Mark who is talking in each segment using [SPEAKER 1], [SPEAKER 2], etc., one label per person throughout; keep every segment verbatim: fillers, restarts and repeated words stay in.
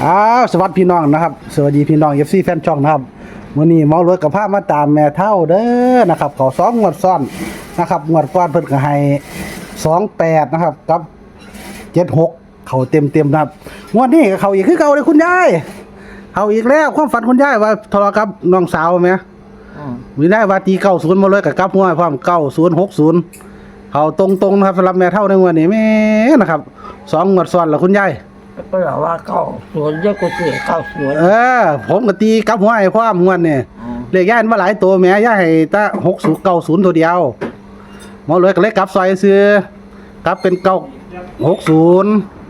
[SPEAKER 1] อ้าวสวัสดีพี่น้องนะครับสวัสดีพี่น้อง เอฟ ซี แฟนช่องนะครับมื้อนี้เมารถกับพามาตามแม่เฒ่าเด้อนะครับเขาสองงวดซ้อนนะครับงวดก่อนเพิ่นก็ให้สองแปดนะครับกับเจ็ดหกเขาเต็มๆนะครับงวดนี้ก็เขาอีกคือเก่าเลยคุณยายเขาอีกแล้วความฝันคุณยายว่าทะเลาะกับน้องสาวแม่มีได้ว่าตีเก้าศูนย์มาเลยกับกับหัวพร้อมเก้าศูนย์หกศูนย์เขาตรงๆนะครับสำหรับแม่เฒ่าในงวดนี้แม่นะครับสองงวดซ้อนแล้วคุณยาย
[SPEAKER 2] ก็แบบว่าเก้าสวนเยอะกว่าสี่เก้าสวน
[SPEAKER 1] เออผมก็ตีกับหัวไอ้พ่อมงวนเนี่ยเลขย่านมาหลายตัวแม่ย่าให้ตาหกศูนย์เก้าศูนย์ตัวเดียวหมอเลยก็เลยกลับซอยซื้อกลับเป็นเก้าหกศูนย์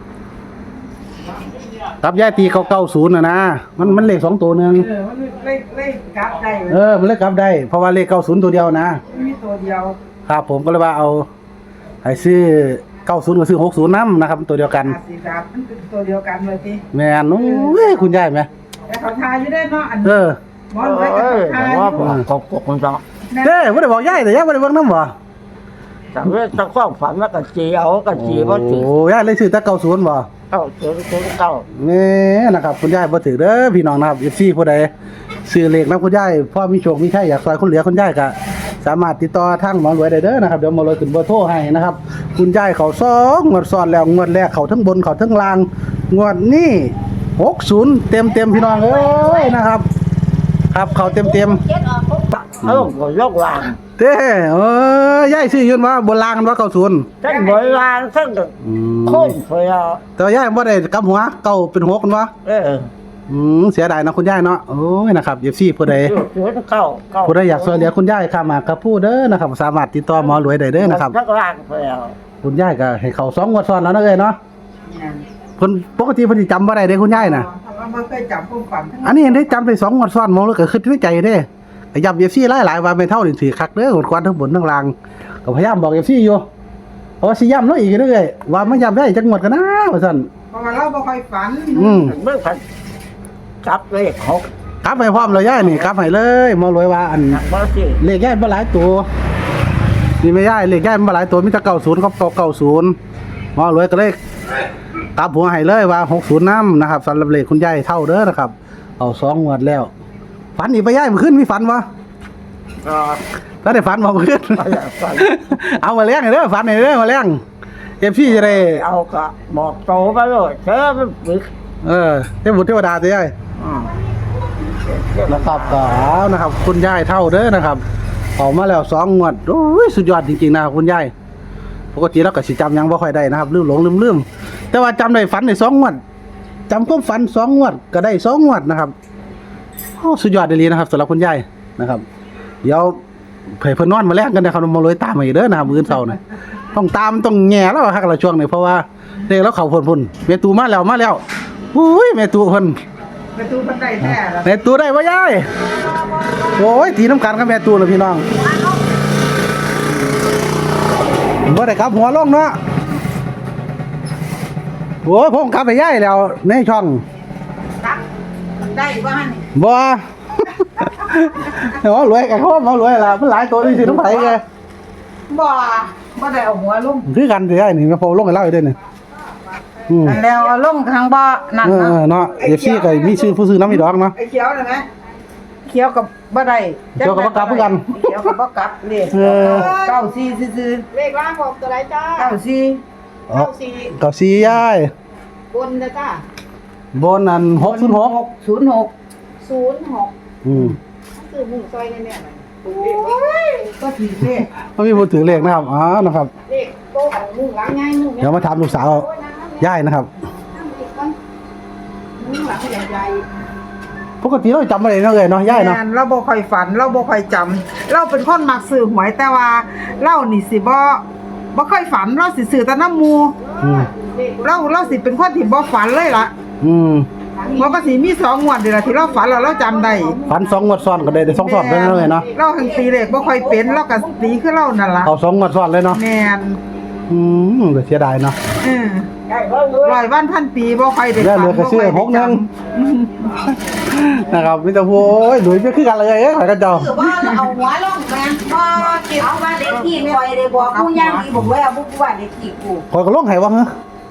[SPEAKER 1] กลับย่าตีเก้าเก้าศูนย์นะนะมันมันเลขสองตัวหนึ่ง
[SPEAKER 3] เออมันเลขเลขกลับได้
[SPEAKER 1] เออมันเลขกลับได้เพราะว่าเลขเก้าศูนย์ตัวเดียวนะ
[SPEAKER 3] มีตัวเดียว
[SPEAKER 1] ครับผมก็เลยว่าเอาให้ซื้อเก้าศูนย์ก็ซื้อหกศูนย์น้ำนะครับตัวเดียวกัน
[SPEAKER 3] สีดำมันเป็นตัวเดียวกันเลยที
[SPEAKER 1] แม่นโอ้ยคุณยายไหม
[SPEAKER 3] แต่เขาทาอยู่ได้เนาะอัน
[SPEAKER 1] เออ
[SPEAKER 3] มอนไว้กับทา
[SPEAKER 2] ว่าเขาปกคนจัง
[SPEAKER 1] เด้ไม่ได้บอกยายแต่ยายไม่ได้บอกน้ำบ่
[SPEAKER 2] แต่เรื่องตะข้องฝันว่ากับจีเอากับจีบ่ถือ
[SPEAKER 1] โอ้ยายเลยซื้อแต่เก้าศูนย์บ่
[SPEAKER 2] เก้าศูนย์ศูนย์เก้า
[SPEAKER 1] นี่นะครับคุณยายบ่ถือเด้อพี่น้องนะครับ เอฟ ซี ผู้ใดซื้อเลขนำคุณยายพ่อมีโชคมีชัยอยากซอยคนเหลือคุณยายก็สามารถติดต่อทางหมอรวยได้เด้อนะครับเดี๋ยวหมอรวยขึ้นเบอร์โทรให้นะครับคุณยายเขาสองงวดซ้อนแล้วงวดแรกเขาทั้งบนเขาทั้งล่างงวดนี้หกศูนย์เต็มๆพี่น้องเอ้ยนะครับครับเขาเต็มๆ
[SPEAKER 2] เออก็ยกวาง
[SPEAKER 1] เด้เอ้ยยายซื้อยืนว่าบนล่างว่าเก้าศูนย์
[SPEAKER 2] ทั้งบนวางทั้งคนเสีย
[SPEAKER 1] แต่ยายบ่ได้กลับหัวเก้าเป็นหกกันวะ
[SPEAKER 2] เออ
[SPEAKER 1] อืมเสียดายนะคุณยายเนาะโอ้ยนะครับ เอฟ ซี ผู้ใดผู้ใดอยากช่วยเหลือคุณยายข้ามมากับผู้เด้อนะครับสามารถติดต่อหมอรวยได้เด้อนะครับคุณยายก็ให้เขาสองงวดซ้อนแล้วนะเอ้ยเนาะเพิ่นปกติเพิ่นสิจำบ่ได้เด้คุณยายน่ะ
[SPEAKER 3] บ่เคยจำความฝัน
[SPEAKER 1] อันนี้ได้จำได้สองงวดซ้อนหมอเลยก็คิดในใจเด้ก็ย้ำ เอฟ ซี หลายๆว่าไม่เท่านี่ถือคักเด้อหมดควันทั้งบนทั้งล่างก็พยายามบอก เอฟ ซี อยู่เพราะว่าสิย้ำเนาะอีกเด้อเอ้ยว่ามันย้ำได้จักงวดกันนะว่าซั่น
[SPEAKER 3] เพราะว่าเราบ่ค่อยฝัน
[SPEAKER 1] อืม
[SPEAKER 2] บ่ฝันกลับเลขเขา
[SPEAKER 1] กลับไปพร้อมเลยยายนี่กลับให้เลยหมอรวยว่าอันเลขยายบ่หลายตัวนี่ไม่ยายเลขยายบ่หลายตัวมีแต่เก้าศูนย์กับเก้าศูนย์หมอรวยก็เลยกลับหัวให้เลยว่าหกศูนย์นำนะครับสำหรับเลขคุณยายเท่าเด้อนะครับเอาสองงวดแล้วฝันอีกไปยายมื้อคืนมีฝันบ่
[SPEAKER 2] อ่า
[SPEAKER 1] แล้วได้ฝันบ่มื้อคืนเอามาเลี้ยงให้เด้อฝันให้เด้อมาเลี้ยง เอฟ ซี จะได้
[SPEAKER 2] เอาก็บอกโตไปเลยเด้อมันปึ๊ก
[SPEAKER 1] เออเทพบุตรเทวดาติยายอือนะครับก็เอานะครับคุณยายเท่าเด้อนะครับออกมาแล้วสองงวดโอ้ยสุดยอดจริงๆนะคุณยายปกติเราก็สิจำยังบ่ค่อยได้นะครับลืมหลงลืมๆแต่ว่าจำได้ฝันได้สองงวดจำความฝันสองงวดก็ได้สองงวดนะครับโอ้สุดยอดดีนะครับสำหรับคุณยายนะครับเดี๋ยวเผยเพิ่นนอนมาแลกกันนะครับมาเลยตามมาอีกเด้อนะครับมื้อเช้าน่ะต้องตามต้องแง่แล้วฮักละช่วงนี้เพราะว่าเด็กแล้วเขาพุ่นๆแม่ตูมาแล้วมาแล้วอุ้ยแม่ตูเพิ่น
[SPEAKER 3] แม่ตูเพิ่นได้แท้ล่ะ
[SPEAKER 1] แม่ตูได้บ่ยายโอ้ยตีน้ำกันกับแม่ตูล่ะพี่น้องบ่ได้กลับหัวลงเนาะโอ้ยผมกลับไปยายแล้วในช่อง
[SPEAKER 3] ตักได้บ่หั่น
[SPEAKER 1] บ่เนาะรวยกันโคตรบ่รวยล่ะมันหลายตัวนี่สิน้ำไผแก
[SPEAKER 3] บ่บ่ได้เอาหัวลง
[SPEAKER 1] คือกันสิยายนี่มาโพลงให้เล่าอีกเด้อนี่
[SPEAKER 3] อืมแล้วเอาลงทางบ่นั่นเนาะ
[SPEAKER 1] เออเนาะ เอฟ ซี ก็มีชื่อผู้ซื้อน้ำอีดอกเนาะ
[SPEAKER 3] ไอ้เขียวน่ะนะเขียวกับบ่ได้
[SPEAKER 1] เขียวกับบ่กลับคือกัน
[SPEAKER 3] เขียวกับบ่กลับเลขเก้าสี่ซื่อ
[SPEAKER 4] เลขล่างบอกตัวไหนจ้า
[SPEAKER 3] เก้าสี่
[SPEAKER 1] เก้าสี่เก้าสี่ยาย
[SPEAKER 4] บนนะจ้า
[SPEAKER 1] บนนั่นหกศูนย์หก
[SPEAKER 3] ศูนย์หก
[SPEAKER 4] ศูนย์หก
[SPEAKER 1] อืม
[SPEAKER 4] ซื้อหมูซอยแน่ๆ
[SPEAKER 3] โอ้ยก็ถือเลข
[SPEAKER 1] บ่มีผู้ถือเลขนะครับอ๋อนะครับ
[SPEAKER 4] เลขโตของมุ้งหลังใหญ่มุ้ง
[SPEAKER 1] เดี๋ยวมาถามลูกสาวย่ายนะครับ
[SPEAKER 4] มุ้งหลังใหญ่
[SPEAKER 1] ปกติเราจำบ่ได้เนาะเอ้ยเนาะย่ายเนาะ
[SPEAKER 3] เราบ่ค่อยฝันเราบ่ค่อยจำเราเป็นคนมักซื้อหวยแต่ว่าเรานี่สิบ่บ่ค่อยฝันเราสิซื้อแต่น้ำหมู่
[SPEAKER 1] อืม
[SPEAKER 3] เราเราสิเป็นคนที่บ่ฝันเลยล่ะ
[SPEAKER 1] อืม
[SPEAKER 3] มันก็สิมีสองงวดนี่ล่ะที่เราฝันแล้วเราจำได้
[SPEAKER 1] ฝันสองงวดซ้อนก็ได้ได้สองซ้อนได้เนาะเอ้ยเนาะ
[SPEAKER 3] เราหังตีเลขบ่ค่อยเป็นเราก็ตีคือเรานั่นล่ะ
[SPEAKER 1] เอาสองงวดซ้อนเลยเนาะ
[SPEAKER 3] แม่น
[SPEAKER 1] อืมก็เสียดายเนาะ
[SPEAKER 3] เออร้อยวันพันปีบ่ค่อยได้
[SPEAKER 1] ฝันเหลือก็ซื้อหกนึงนะครับมีแต่โอ้ยหลุยไปคือกันเลยเอ้ยข่อยก็เจ้า
[SPEAKER 4] คือว่าเอาหัวลงแม่พอเก็บเอาบ้านเด็กที่คอยได้บอกผู้ย่างดีบอกว่าเอาบุกบ้านเด็กที่กู
[SPEAKER 1] ข่อยก็ลงให้ว่าฮะ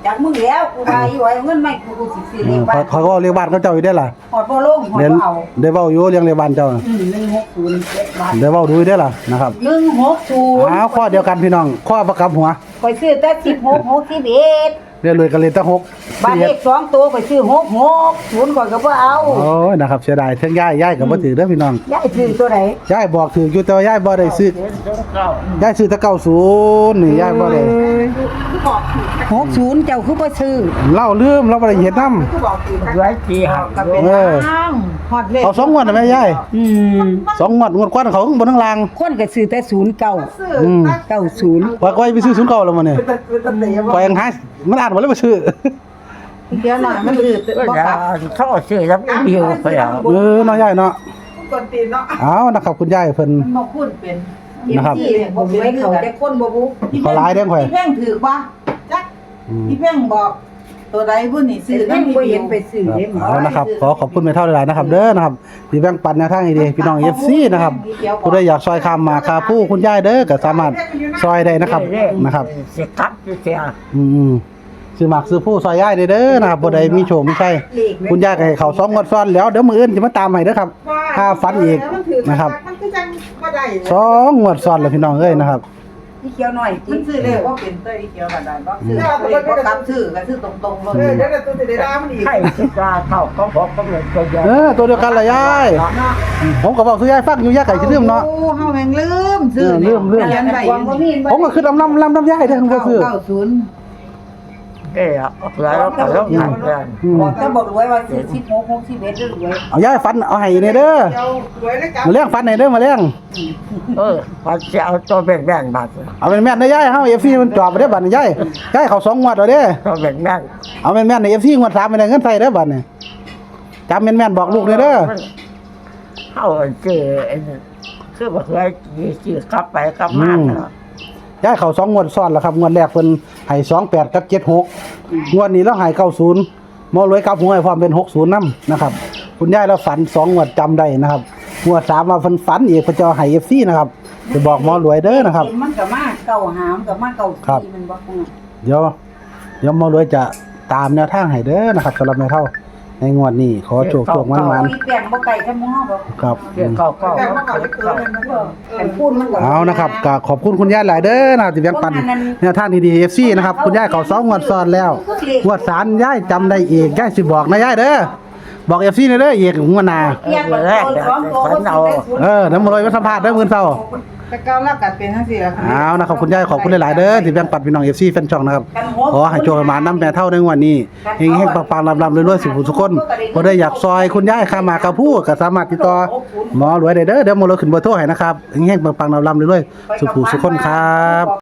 [SPEAKER 4] จากมึงแล้วกูไปไว้เงินไม่กูกูสิสิ
[SPEAKER 1] อื
[SPEAKER 4] เรีย
[SPEAKER 1] ม
[SPEAKER 4] กบ้า
[SPEAKER 1] เขาเขาก็เรียกบ้านเขาเจ้าอยู่ได้อล่ะ
[SPEAKER 4] หอดบ่ลงหอด
[SPEAKER 1] เดี๋ยว
[SPEAKER 4] บ่เอา
[SPEAKER 1] ได้เว้าอยู่เรียงเรียกบ้านเจ้าน่ะ
[SPEAKER 4] อืมหนึ่งหกศูนย์เจ็ดบาท
[SPEAKER 1] ได้เว้าดูอยู่ได้อล่ะนะครับ
[SPEAKER 4] หนึ่งหกศูนย์
[SPEAKER 1] อ้าวข้อเดียวกันพี่น้องข้อประกับหัว
[SPEAKER 4] ไปซื้อแต่สิบหกหกสิบเอ็ด
[SPEAKER 1] เรียนเลยกันเลยตั้งหก
[SPEAKER 4] บ้านเลขสองตัวไปซื้อหกหกศูนย์ก่อนก็บ่เอา
[SPEAKER 1] โอ้ยนะครับเสียดายเทิงย่ายย่ายก็บ่ถือเด้อพี่น้อง
[SPEAKER 4] ยายซื้อตัวไหน
[SPEAKER 1] ย่ายบอกถืออยู่แต่ว่าย่ายบ่ได้ซื้อ
[SPEAKER 2] เจ็ดสองเก้า
[SPEAKER 1] ย่ายซื้อแต่เก้าสิบนี่ย่ายบ่ได้
[SPEAKER 4] หกศูนย์เจ้าคือบ่ซื้อ
[SPEAKER 1] เล่าลืมเราบ่ได้เฮ็ดนำ
[SPEAKER 3] คือบอกคือ
[SPEAKER 2] ไว้จีหัก
[SPEAKER 1] เออ
[SPEAKER 4] อ้างฮอดเลข
[SPEAKER 1] เอาสองงวดได้ไหมยาย
[SPEAKER 4] อืม
[SPEAKER 1] สองงวดงวดกว่าเขาข้างบนข้างล่าง
[SPEAKER 4] คนก็ซื้อแต่ศูนย์เก้า
[SPEAKER 3] ซื้อ
[SPEAKER 1] อืม
[SPEAKER 4] เก้าศูนย์
[SPEAKER 1] ว่าก้อยไปซื้อศูนย์เก่าแล้วมันเนี่ย
[SPEAKER 3] เป็นตะเป็นตะเตะ
[SPEAKER 1] ก้อยยังหามันอ่านบ่เลยบ่ซื้อ
[SPEAKER 4] เดี๋ยวหน่อยมันอืด
[SPEAKER 2] ก็
[SPEAKER 4] บ่
[SPEAKER 2] จะ
[SPEAKER 4] กลับ
[SPEAKER 2] เข้าซื้อแล้วไม่มีไปเอา
[SPEAKER 1] เออเนาะยายเนาะ
[SPEAKER 3] กวนตีนเนาะ
[SPEAKER 1] เอานะครับคุณยายเพิ่น
[SPEAKER 3] มันบ่คุ้นเป็น
[SPEAKER 1] นะครับ
[SPEAKER 3] ที่ผมไว้เขาแต่คนบ่บุ
[SPEAKER 1] ขอหลายเด้อข่อย
[SPEAKER 3] พี่แพ่งถือบ่จัก
[SPEAKER 1] อืม
[SPEAKER 3] พี่แพ่งบอก ตัวใดบุ่นนี่ซื้อ
[SPEAKER 4] ซื้อ
[SPEAKER 3] น้ำ
[SPEAKER 4] น้ำบ่เห็นไปซื้อเด้หมอ
[SPEAKER 1] เอานะครับขอขอบคุณแม่เท่าหลายๆนะครับ เด้อนะครับที่แบ่งปันแนวทางให้ดีพี่น้อง เอฟ ซี นะครับผู้ใดอยากซอยคำมาคาผู้คุณยายเด้อก็สามารถซอยได้นะครับนะครับ
[SPEAKER 2] เสียกัดเสีย
[SPEAKER 1] อืมซื้อหมักซื้อผู้ซอยย่ายได้เด้อนะครับบ่ได้มีโชคมีชัยคุณยายก็ให้เขาสองงวดซ้อนแล้วเดี๋ยวมื้ออื่นจะมาตามให้เด้อครับถ้าฝันอีกนะครับ
[SPEAKER 3] มันคือจังบ่ได้
[SPEAKER 1] สองงวดซ้อนแล้วพี่น้องเอ้ยนะครับ
[SPEAKER 4] ที่เขียวหน่อย
[SPEAKER 5] มันซื้อเลขว่าเป็นเต้ยเขียวกันได้บ่ซื้อเลขบ่กลับซื้อก็ซื้อตรงๆเล
[SPEAKER 3] เออย เดี๋ยวตัวสิได้ด่ามันอีก
[SPEAKER 2] ไข่สิกาเข้าก็บอกก็เลยตัวเดียว
[SPEAKER 1] เออตัวเดียวกันล่ะยายผมก็บอกซื้อยายฟังอยู่ยายก็สิลืมเนาะ
[SPEAKER 3] โอ้เฮาแม่งลืมซื้อ
[SPEAKER 1] เออลืมลืม
[SPEAKER 3] เขียนไว้
[SPEAKER 4] ความบ่มี
[SPEAKER 1] ผมก็คือลำลำลำลำยายเด้อผมก็คือ
[SPEAKER 3] เก้าศูนย์
[SPEAKER 2] เอ้ยแล้วก็ต้องหันกัน
[SPEAKER 1] อืม
[SPEAKER 4] บอกแต่บอกรวยว่าซื้อสิบหก หกสิบเอ็ดรวย
[SPEAKER 1] เอายายฝันเอาให้เนี่ยเด้อ
[SPEAKER 3] เจ้าหวยแล้วกัน
[SPEAKER 1] มาเลี้ยงฝันให้เด้อมาเลี้ยง
[SPEAKER 2] เออพอจะเอาตัวแบ่งแบ่งบาท
[SPEAKER 1] เอาแม่นๆนะยายเฮา เอฟ ซี มันจอบไปเด้อบัดนี้ยายยายเขาสองงวดแล้วเด้อ
[SPEAKER 2] ตัวแบ่งแบ่ง
[SPEAKER 1] เอาแม่นๆใน เอฟ ซี งวดสามไม่ได้เงินใส่เด้อบัดนี้จำแม่นๆบอกลูกเลยเด้อ
[SPEAKER 2] เข้าเจอคือบอกว่าจีกลับไปกลับมา
[SPEAKER 1] ย้ายเขาสองงวดซ้อนแล้วครับงวดแรกเพิ่นให้สองแปดกับเจ็ดหกงวดนี้แล้วให้เก้าศูนย์หมอรวยกลับหัวให้พร้อมเป็นหกศูนย์นำนะครับคุณยายเราฝันสองงวดจำได้นะครับงวดสามมาเพิ่นฝันอีกเพิ่นจะเอาให้ เอฟ ซี นะครับจะบอกหมอรวยเด้อนะครับ
[SPEAKER 4] มันก็มาเก่าหามก็มาเก่า
[SPEAKER 1] ครับ
[SPEAKER 4] ที่มันบ่คง
[SPEAKER 1] เดี๋ยวเดี๋ยวหมอรวยจะตามแนวทางให้เด้อนะครับสำหรับแม่เฒ่าในงวดนี้ขอโชคโชคมัน
[SPEAKER 4] มีแป้งบ่ไก่กับหม้อดอก
[SPEAKER 1] ๆครับ
[SPEAKER 2] เกี่ยวก็ก็
[SPEAKER 3] แต่ว่าเขาจะเกิดมันบ่
[SPEAKER 4] แต่พูดมันก็
[SPEAKER 1] เอานะครับก็ขอบคุณคุณยายหลายเด้อนะครับที่แบ่งปันแนวทางดีๆ เอฟ ซี นะครับคุณยายเขาสองงวดซ้อนแล้วงวดสามยายจำได้อีกยายสิบอกนะยายเด้อบอก เอฟ ซี เด้ออีกงวดหน้า
[SPEAKER 4] เรียกว่าตัวสองตัวก็สิได้ศูนย์
[SPEAKER 1] เออน้ำมารวยมาสัมภาษณ์เด้อมื้อเช้า
[SPEAKER 3] แต่เก้าแล้วกัดเป็นจังซี่ล่ะ
[SPEAKER 1] เอานะครับคุณยายขอบคุณหลายๆเด้อที่แบ่งปันพี่น้อง เอฟ ซี แฟนช่องนะครับขอให้โชคให้หมานำแม่เท่าในงวดนี้เฮงๆปังๆลำๆรวยๆสุขทุกคนบ่ได้อยากซอยคุณยายข้ามากระพู้ก็สามารถติดต่อหมอรวยได้เด้อเดี๋ยวหมอรวยขึ้นเบอร์โทรให้นะครับเฮงๆปังๆลำๆรวยๆสุขทุกคนครับ